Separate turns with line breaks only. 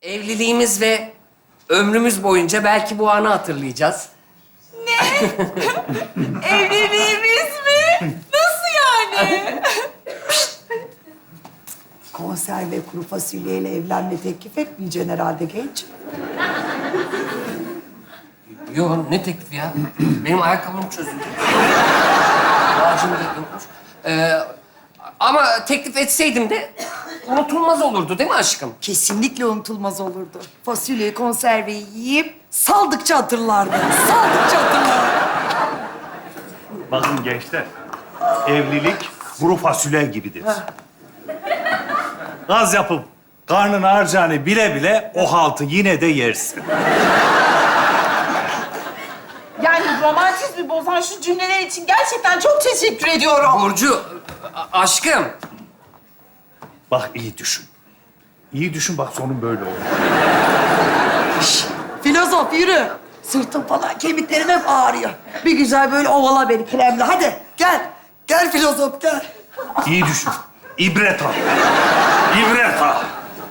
Evliliğimiz ve ömrümüz boyunca belki bu anı hatırlayacağız.
Evliliğimiz mi? Nasıl yani?
Konserve kuru fasulyeyle evlenme teklif etmeyeceksin herhalde genç.
Yo, ne teklifi ya? Benim ayakkabım çözüldü. Ağacım da yokmuş. Ama teklif etseydim de unutulmaz olurdu değil mi aşkım?
Kesinlikle unutulmaz olurdu. Fasulyeyi, konserveyi yiyip saldıkça hatırlardı. Saldıkça hatırlardı.
Bakın gençler, evlilik kuru fasulye gibidir. Gaz yapıp karnın harcağını bile bile o haltı yine de yersin.
Yani romantizmi bozan şu cümleler için gerçekten çok teşekkür ediyorum.
Burcu, aşkım.
Bak iyi düşün. İyi düşün bak sonun böyle olur.
Filozof yürü. Sırtım falan, kemiklerim hep ağrıyor. Bir güzel böyle ovala beni kremle. Hadi gel. Gel filozof gel.
İyi düşün. İbret al. İbret